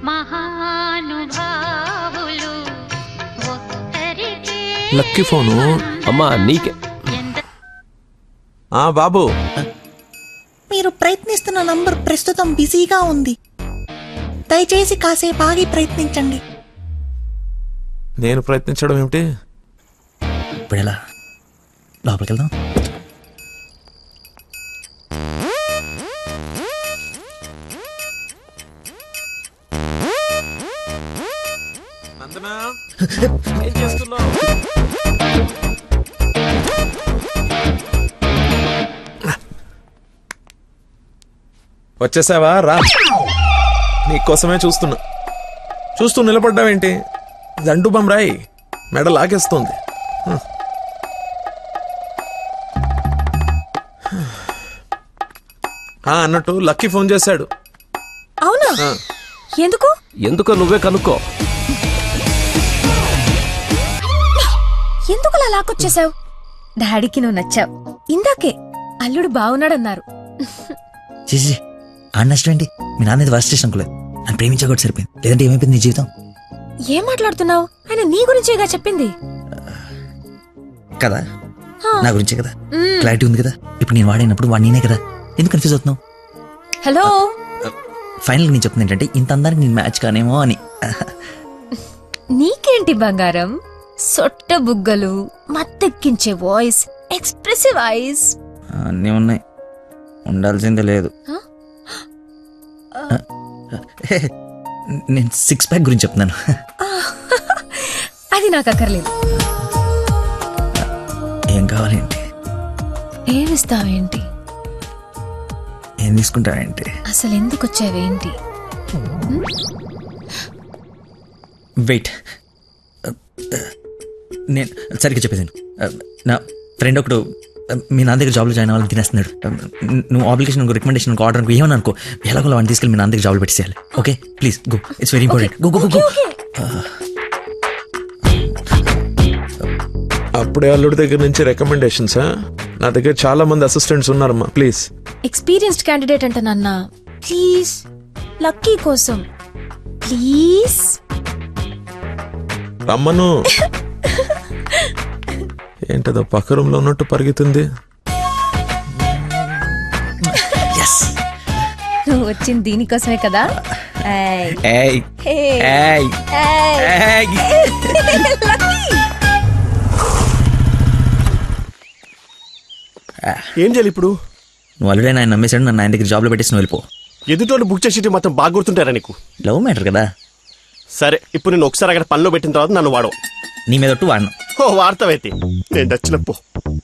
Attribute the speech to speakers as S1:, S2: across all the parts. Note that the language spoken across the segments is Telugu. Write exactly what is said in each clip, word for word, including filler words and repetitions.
S1: లక్కీ ఫోను
S2: అమ్మా నీకే.
S1: ఆ బాబు,
S3: మీరు ప్రయత్నిస్తున్న నంబర్ ప్రస్తుతం బిజీగా ఉంది, దయచేసి కాసేపు ఆగి ప్రయత్నించండి.
S1: నేను ప్రయత్నించడం ఏమిటి?
S4: ఇప్పుడు ఎలా లోపలికి వెళ్దాం?
S1: నందనా, ఏం చేస్తున్నావు? వచ్చేసావా? రా, నీకోసమే చూస్తున్నా. చూస్తూ నిలబడ్డావేంటి? దండు బమ్రాయి మెడ లాగేస్తుంది. అన్నట్టు లక్కీ ఫోన్ చేశాడు.
S5: అవునా? ఎందుకు?
S2: ఎందుకో నువ్వే కనుక్కో.
S5: ఎందుకు అలా లాక్కొచ్చేసావు? డాడీకి నువ్వు నచ్చావు. ఇందాకే అల్లుడు బాగున్నాడన్నారు.
S4: చేసి ఆ నష్టం ఏంటి? మీ నాన్న ఇది వర్స్ట్ అనుకోలేదు. నన్ను ప్రేమించకూడదు సరిపోయింది. లేదంటే ఏమైపోయింది నీ జీవితం?
S5: ఏం మాట్లాడుతున్నావు? ఆయన నీ గురించేగా చెప్పింది
S4: కదా, నా గురించే కదా. క్లారిటీ ఉంది కదా. ఇప్పుడు నేను వాడినప్పుడు వాడు నేనే కదా. ఎందుకు కన్ఫ్యూజ్ అవుతున్నావు?
S5: హలో,
S4: ఫైనల్ నేను చెప్తుంది ఏంటంటే ఇంత అందానికి నేను మ్యాచ్ కానేమో అని.
S5: నీకేంటి బంగారం? సొట్ట బుగ్గలు, మత్తెక్కించే వాయిస్, ఎక్స్ప్రెసివ్ ఐస్
S4: అన్నీ ఉన్నాయి, ఉండాల్సిందే లేదు. నేను సిక్స్ ప్యాక్ గురించి చెప్తున్నాను.
S5: అది నాకు అక్కర్లేదు.
S4: ఏం కావాలేంటి?
S5: ఏమిస్తావేంటి?
S4: ఏం తీసుకుంటావేంటి?
S5: అసలు ఎందుకు వచ్చావేంటి?
S4: వెయిట్, నేను సరిగ్గా చెప్పేసాను. నా ఫ్రెండ్ ఒకడు మీ నాన్న దగ్గర జాబ్లో జాయిన్ అవ్వాలని తినేస్తున్నాడు. నువ్వు అప్లికేషన్ రికమెండేషన్ ఆర్డర్ అనుకో ఏమని అనుకో, ఎలాగో వాడిని తీసుకెళ్ళి మీ నాన్న దగ్గర జాబ్లో పెట్టేసేయాలి. Okay please go, it's very important. Go go go.
S1: అప్పుడే అల్లుడి దగ్గర నుంచి రికమెండేషన్స్? నా దగ్గర చాలా మంది అసిస్టెంట్స్ ఉన్నారమ్మా, ప్లీజ్.
S5: ఎక్స్పీరియన్స్డ్ క్యాండిడేట్ అంట నాన్న, ప్లీజ్ లక్కీ కోసం ప్లీజ్
S1: రమ్మను. ఏంటదో పక్క రూమ్ లో ఉన్నట్టు పరిగెత్తుంది.
S5: నువ్వు వచ్చింది దీనికోసమే కదా.
S6: ఏం చేయాలి ఇప్పుడు?
S4: నువ్వు ఆల్రెడీ ఆయన నమ్మేశాడు, నన్ను ఆయన దగ్గర జాబ్లో పెట్టేసి నువ్వు వెళ్ళిపో.
S6: ఎదుటోళ్ళు బుక్ చేసి మొత్తం బాగా గుర్తుంటారా నీకు?
S4: లవ్ మ్యాటర్ కదా.
S6: సరే, ఇప్పుడు నేను ఒకసారి అక్కడ పనిలో పెట్టిన తర్వాత నన్ను వాడవు.
S4: నీ మీద ఒట్టు వాడను.
S6: ఓ వార్తవైతే నేను దచ్చినప్పు.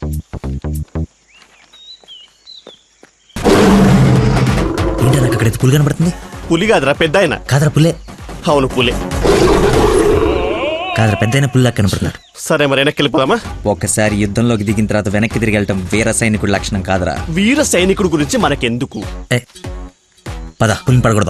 S4: ఏంటి నాకు అక్కడైతే పులి కనబడుతుంది?
S6: పులి కాదురా, పెద్ద ఆయన.
S4: కాదరా పుల్లే.
S6: అవును పులే.
S4: కాదరా పెద్ద అయిన పుల్లా కనపడుతున్నాడు.
S6: సరే మరి వెనక్కి వెళ్ళిపోదామా?
S4: ఒక్కసారి యుద్ధంలోకి దిగిన తర్వాత వెనక్కి తిరిగి వెళ్ళటం వీర సైనికుడి లక్షణం కాదరా.
S6: వీర సైనికుడు గురించి మనకెందుకు?
S4: ఏ పద, పులిని పడకూడదు.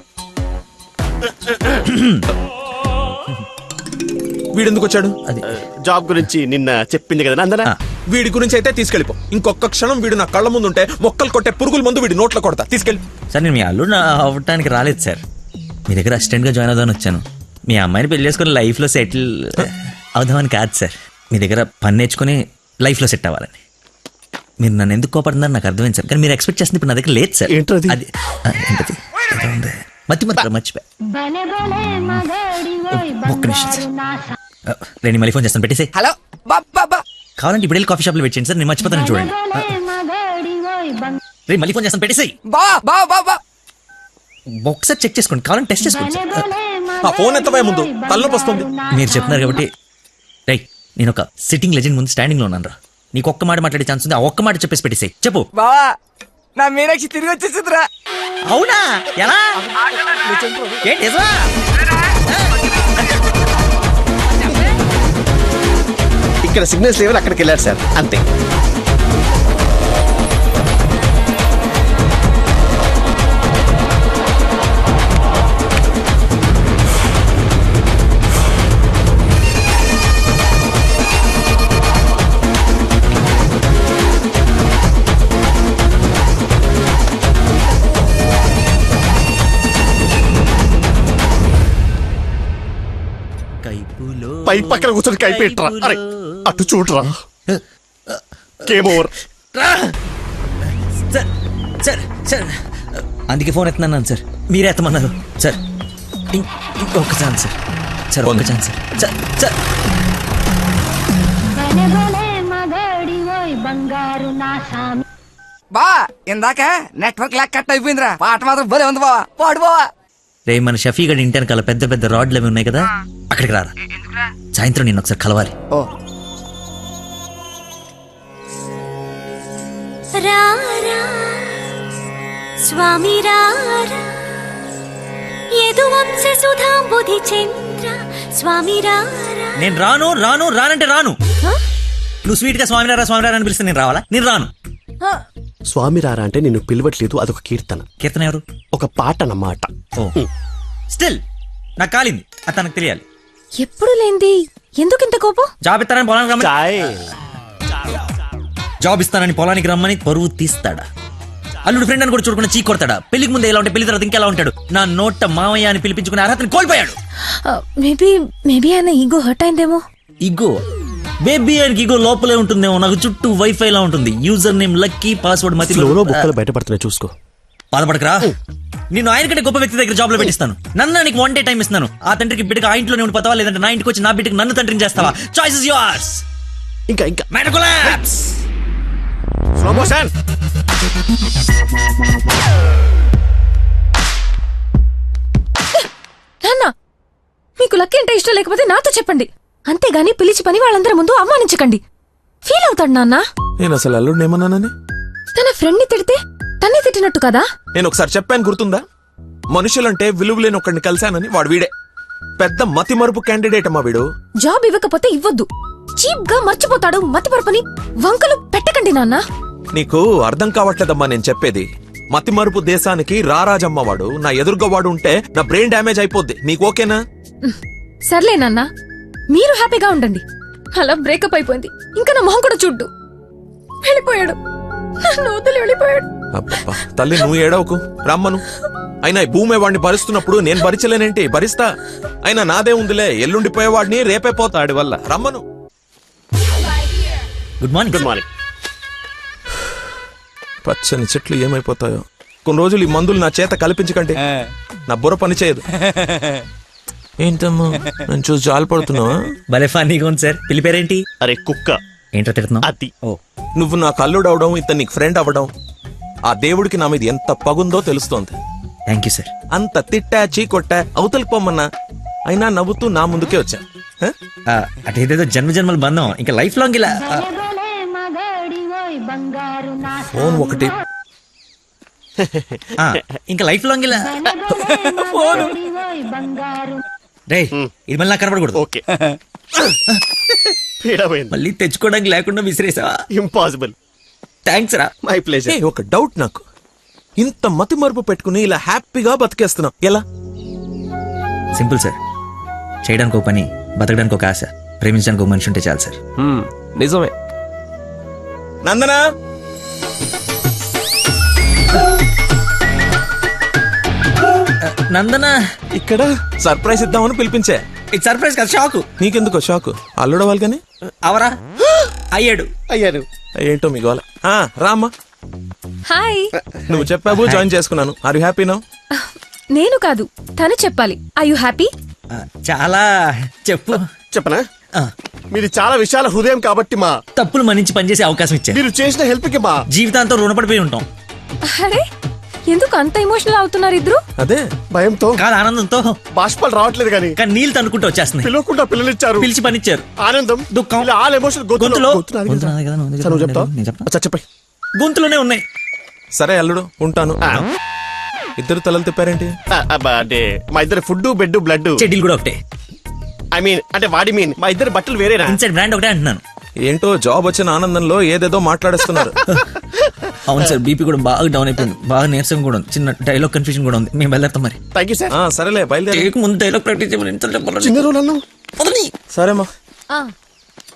S1: వీడెందుకు వచ్చాడు?
S4: అది
S6: జాబ్ గురించి నిన్న చెప్పింది కదా అందరా.
S1: వీడి గురించి అయితే తీసుకెళ్ళిపో. ఇంకొక క్షణం వీడు నా కళ్ళ ముందు ఉంటే మొక్కలు కొట్టే పురుగుల ముందు వీడి నోట్లో కొడతా. తీసుకెళ్ళి.
S4: సార్ నేను మీ అల్లుడు అవ్వటానికి రాలేదు సార్, మీ దగ్గర అసిస్టెంట్ గా జాయిన్ అవుదామని వచ్చాను. మీ అమ్మాయిని పెళ్లి చేసుకుని లైఫ్ లో సెటిల్ అవుదామని కాదు సార్, మీ దగ్గర పని నేర్చుకుని లైఫ్ లో సెట్ అవ్వాలని. మీరు నన్ను ఎందుకు కోపడుతున్నారు నాకు అర్థమైంది సార్, కానీ మీరు ఎక్స్పెక్ట్ చేస్తుంది ఇప్పుడు నా దగ్గర లేదు సార్.
S6: ఏంటది?
S4: అది ఏంటది? మతి మతి మర్చిపోయా. ఒక్క నిమిషం సార్, నేను మళ్ళీ ఫోన్ చేస్తాను, పెట్టేసి.
S7: హలో బాబా,
S4: కావాలంటే ఇప్పుడు వెళ్ళి కాఫీ షాప్ లో వెయిట్ చేయండి సార్, నేను మర్చిపోతాను చూడండి. రే మళ్ళీ ఫోన్ చేస్తాను, పెట్టేసి.
S7: బా బా బా
S4: ఒకసారి చెక్ చేసుకోండి, కావాలంటే టెస్ట్ చేసుకోండి సార్.
S1: ఆ ఫోన్ ఎత్తపోయే ముందు తలనొప్పి వస్తుంది.
S4: మీరు చెప్తున్నారు కాబట్టి రై, నేను ఒక సిట్టింగ్ లెజెండ్ ముందు స్టాండింగ్ లో ఉన్నాను రా. నీకు ఒక్క మాట మాట్లాడే ఛాన్స్ ఉంది, ఆ ఒక్క మాట చెప్పేసి పెట్టేసాయి. చెప్పు
S7: బావా, నా మీనాక్షి తిరిగి వచ్చేసిందిరా.
S4: అవునా? ఎలా? ఏంటి నిజమా?
S6: ఇక్కడ సిగ్నల్స్ లేవని అక్కడికి వెళ్ళారు సార్, అంతే. పై పక్కన కూర్చొని కైపెట్రా. అరే అటు చూడరా. Game over.
S4: Sir sir sir అందుకే ఫోన్ ఎత్తున్నాను సార్, మీరే ఎత్తమన్నారు సార్. ఇం- ఇంకొక ఛాన్స్ సార్ సార్ ఒక్క ఛాన్స్ సార్ సార్ సార్
S7: బా ఇందాక నెట్వర్క్ లాక్ కట్ అయిపోయిందిరా. పాట మాత్రం భలే ఉంది బావా, పాడు బావా.
S4: రే మన షఫీ గడి ఇంటి వెనకాల పెద్ద పెద్ద రాడ్లు అవి ఉన్నాయి కదా, అక్కడికి రారా. సాయంత్రం నేను ఒకసారి కలవాలి.
S7: ఓ
S8: రారా స్వామి రారా యదువంశ సుధాంబుధి చంద్ర స్వామి రారా.
S4: నేను రాను రాను రానంటే రాను. నువ్వు స్వీట్ గా స్వామినారా స్వామినారా అని పిలిస్తే నేను రావాలా? నేను రాను.
S6: స్వామి రారా అంటే నిన్ను పిలవట్లేదు, అదొక కీర్తన,
S4: కీర్తన ఎవరు?
S6: ఒక పాట అన్నమాట.
S4: ఓ స్టిల్ నాకు కాలింది, అది తనకు తెలియాలి.
S5: ఎప్పుడు లేంది ఎందుకింత కోపం?
S4: జాబ్ ఇస్తానని పొలానికి రమ్మని
S6: చాయ్.
S4: జాబ్ ఇస్తానని పొలానికి రమ్మని పరువు తీస్తాడా? అల్లుడు ఫ్రెండ్ అని కూడా చూడకుండా చీ కొడతాడా? పెళ్లికి ముందు ఎలా ఉంటే పెళ్లి తర్వాత ఇంకెలా ఉంటాడు? నా నోట మామయ్య అని పిలిపించుకునే అర్హతని కోల్పోయాడు.
S5: మేబీ మేబీ ఆయన ఈగో హర్ట్ అయిందేమో.
S4: ఇగో బేబీ ఆయనకి ఇగో లోపలే ఉంటుందేమో, నాకు చుట్టూ వైఫై లా ఉంటుంది. యూజర్ నేమ్ లక్కీ, పాస్వర్డ్ మతి.
S6: ఫ్లోలో బుక్కలు బయటపడుతున్నాయి చూసుకో.
S4: బాధపడకరా, నేను ఆయన కంటే గొప్ప వ్యక్తి దగ్గర జాబ్ లో పెట్టిస్తాను. నన్ను నీకు వన్ డే టైం ఇస్తున్నాను. ఆ తండ్రికి బిడ్డకి ఆ ఇంట్లోనే ఉండిపోతావా, లేదంటే నా ఇంటికి వచ్చి నా బిడ్డకి నన్ను తండ్రిని చేస్తావా? Choice is yours.
S6: ఇంకా ఇంకా
S4: మ్యాటర్ కొలాప్స్.
S6: Slow motion.
S5: నాన్న మీకు లక్కీ అంటే ఇష్టం లేకపోతే నాతో చెప్పండి, అంతేగాని పిలిచి పని వాళ్ళందరి ముందు అవమానించకండి. ఫీల్ అవుతాడు నాన్న.
S1: నేను అసలు అల్లుడిని ఏమన్నానని?
S5: తన ఫ్రెండ్ ని తిడితే తన్నే తిట్టినట్టు కదా.
S1: నేను ఒకసారి చెప్పాను గుర్తుందా? మనుషులంటే విలువలేని ఒకడిని కలిశానని. వాడు వీడే పెద్ద మతి మరుపు క్యాండిడేట్ అమ్మా వీడు.
S5: జాబ్ ఇవ్వకపోతే ఇవ్వద్దు, చీప్ గా మర్చిపోతాడు. మతిపరపని వంకలు పెట్టకండి నాన్న.
S1: నీకు అర్థం కావట్లేదమ్మా నేను చెప్పేది. మతి మరుపు దేశానికి రారాజమ్మ వాడు. నా ఎదురుగా వాడు ఉంటే నా బ్రెయిన్ డ్యామేజ్ అయిపోద్ది. నీకు ఓకేనా?
S5: సర్లే నాన్న, మీరు హ్యాపీగా ఉండండి. అలా బ్రేకప్ అయిపోయింది, ఇంకా నా మొహం కూడా చూడ్డు. వెళ్ళిపోయాడు, నన్ను వదిలి వెళ్ళిపోయాడు.
S1: అబ్బబ్బా తల్లి నువ్వు ఏడవకు, రమ్మను. అయినా ఈ భూమి వాడిని భరిస్తున్నప్పుడు నేను భరించలేనేంటి? భరిస్తా. అయినా నాదే ఉందిలే, ఎల్లుండిపోయేవాడిని రేపే పోతాడి వల్ల. రమ్మను.
S4: Good morning.
S6: Good morning.
S1: పచ్చని చెట్లు ఏమైపోతాయో. కొన్ని రోజులు ఈ మందులు నా చేత కల్పించకండి, నా బుర్ర పని చేయదు. ఏంటమ్మా నేను చూసి జాలి పడుతున్నావా?
S4: భలే ఫన్నీగా ఉంది సార్. పిల్లి పేరేంటి?
S6: అరే కుక్క.
S4: ఏంటో తిడుతున్నావు?
S6: అది
S4: ఓ
S1: నువ్వు నాకు అల్లుడు అవడం, ఇతను నీకు ఫ్రెండ్ అవ్వడం, ఆ దేవుడికి నా మీద ఎంత పగుందో తెలుస్తోంది.
S4: Thank you sir.
S1: అంత తిట్టా చీకొట్టా అవతలికి పొమ్మన్నా అయినా నవ్వుతూ నా ముందుకే వచ్చా. హ?
S4: అటేదేదో జన్మ జన్మల బంధం, ఇంకా లైఫ్ లాంగ్ ఇలా. ఆ,
S1: ఫోన్ ఒకటి.
S4: ఆ, ఇంకా లైఫ్ లాంగ్ ఇలా. రే ఇది మళ్ళీ నాకు కనపడకూడదు.
S6: ఓకే. పీడమైంది.
S4: మళ్ళీ తెచ్చుకోవడానికి లేకుండా విసిరేసావా?
S6: ఇంపాసిబుల్.
S4: థ్యాంక్స్ రా.
S6: My pleasure.
S1: ఏ, ఒక డౌట్ నాకు. ఇంత మతి మరుపు పెట్టుకుని ఇలా హ్యాపీగా బతికేస్తున్నావు ఎలా?
S4: Simple sir. చేయడానికి ఒక పని, బతకడానికి ఒక ఆశ, ప్రేమించడానికి ఒక మనిషి ఉంటే చాలు సార్.
S2: హ్మ్, నిజమే.
S1: నందనా
S4: నందన
S1: ఇక్కడ సర్ప్రైజ్ ఇద్దామని పిలిపించే.
S4: ఇది సర్ప్రైజ్ కదా, షాక్.
S1: నీకెందుకో షాక్? అల్లుడవాలి కానీ
S4: అవరా అయ్యాడు.
S6: అయ్యాను.
S1: ఏంటో మీ గోల. ఆ, రామ్మా.
S5: హాయ్.
S1: నువ్వు చెప్పావు, జాయిన్ చేసుకున్నాను. Are you happy now?
S5: నేను కాదు, తను చెప్పాలి. I you happy?
S4: ఆ, చాలా చెప్పు.
S6: చెప్పనా?
S4: ఆ,
S6: మీది చాలా విశాల హృదయం కాబట్టి మా
S4: తప్పులు మన్నించి పనిచేసే అవకాశం ఇచ్చారు.
S6: మీరు చేసిన హెల్ప్ కి మా
S4: జీవితాంతం రుణపడిపోయి ఉంటాం.
S5: అరే ఎందుకు అంత ఎమోషనల్ అవుతున్నారు ఇద్దరు?
S1: అదే
S6: భయంతో
S4: కాదు ఆనందంతో.
S6: బాష్పాలు రావట్లేదు కానీ
S4: కానీ నీళ్ళు తనుకుంటూ వచ్చేస్తున్నాయి.
S6: పిలవకుండా పిల్లలిచ్చారు.
S4: పిలిచి పనిచ్చారు.
S6: ఆనందం,
S4: దుఃఖం.
S6: ఇలా ఆల్ ఎమోషన్
S4: గొంతులో.
S6: గొంతులో
S4: గొంతు నాది కదా, నువ్వు
S6: నువ్వు చెప్తావు.
S4: నేను చెప్తా.
S6: అచ్చా, చెప్పండి.
S4: గొంతులోనే ఉన్నాయి.
S1: సరే అల్లుడు ఉంటాను.
S6: ఆ.
S1: ఇద్దరు తలలు తిప్పారేంటి?
S6: ఆ, అబ్బా, అంటే మా ఇద్దరు ఫుడ్ బెడ్ బ్లడ్.
S4: చెడ్డీలు కూడా ఒకటే.
S6: ఐ మీన్ అంటే వాడి మీన్ మా ఇద్దరు బట్టలు వేరేనా?
S4: ఇన్సైడ్ బ్రాండ్ ఒకటే అంటున్నాను.
S1: ఏంటో జాబ్ వచ్చిన ఆనందంలో ఏదేదో మాట్లాడేస్తున్నారు.
S4: అవును సార్, బీపీ కూడా బాగా డౌన్ అయిపోయింది. బాగా నీరసం కూడా ఉంది. చిన్న డైలాగ్ కన్ఫ్యూజన్ కూడా ఉంది. మేము బయలుదేరుతాం మరి.
S6: Thank you sir.
S1: ఆ, సరేలే బయలుదేరి.
S4: చేయక ముందు డైలాగ్ ప్రాక్టీస్ చేయమని ఎంత చెప్పాలి?
S6: చిన్న రోజు అన్నావు.
S4: వదలని.
S1: సరేమ్మా.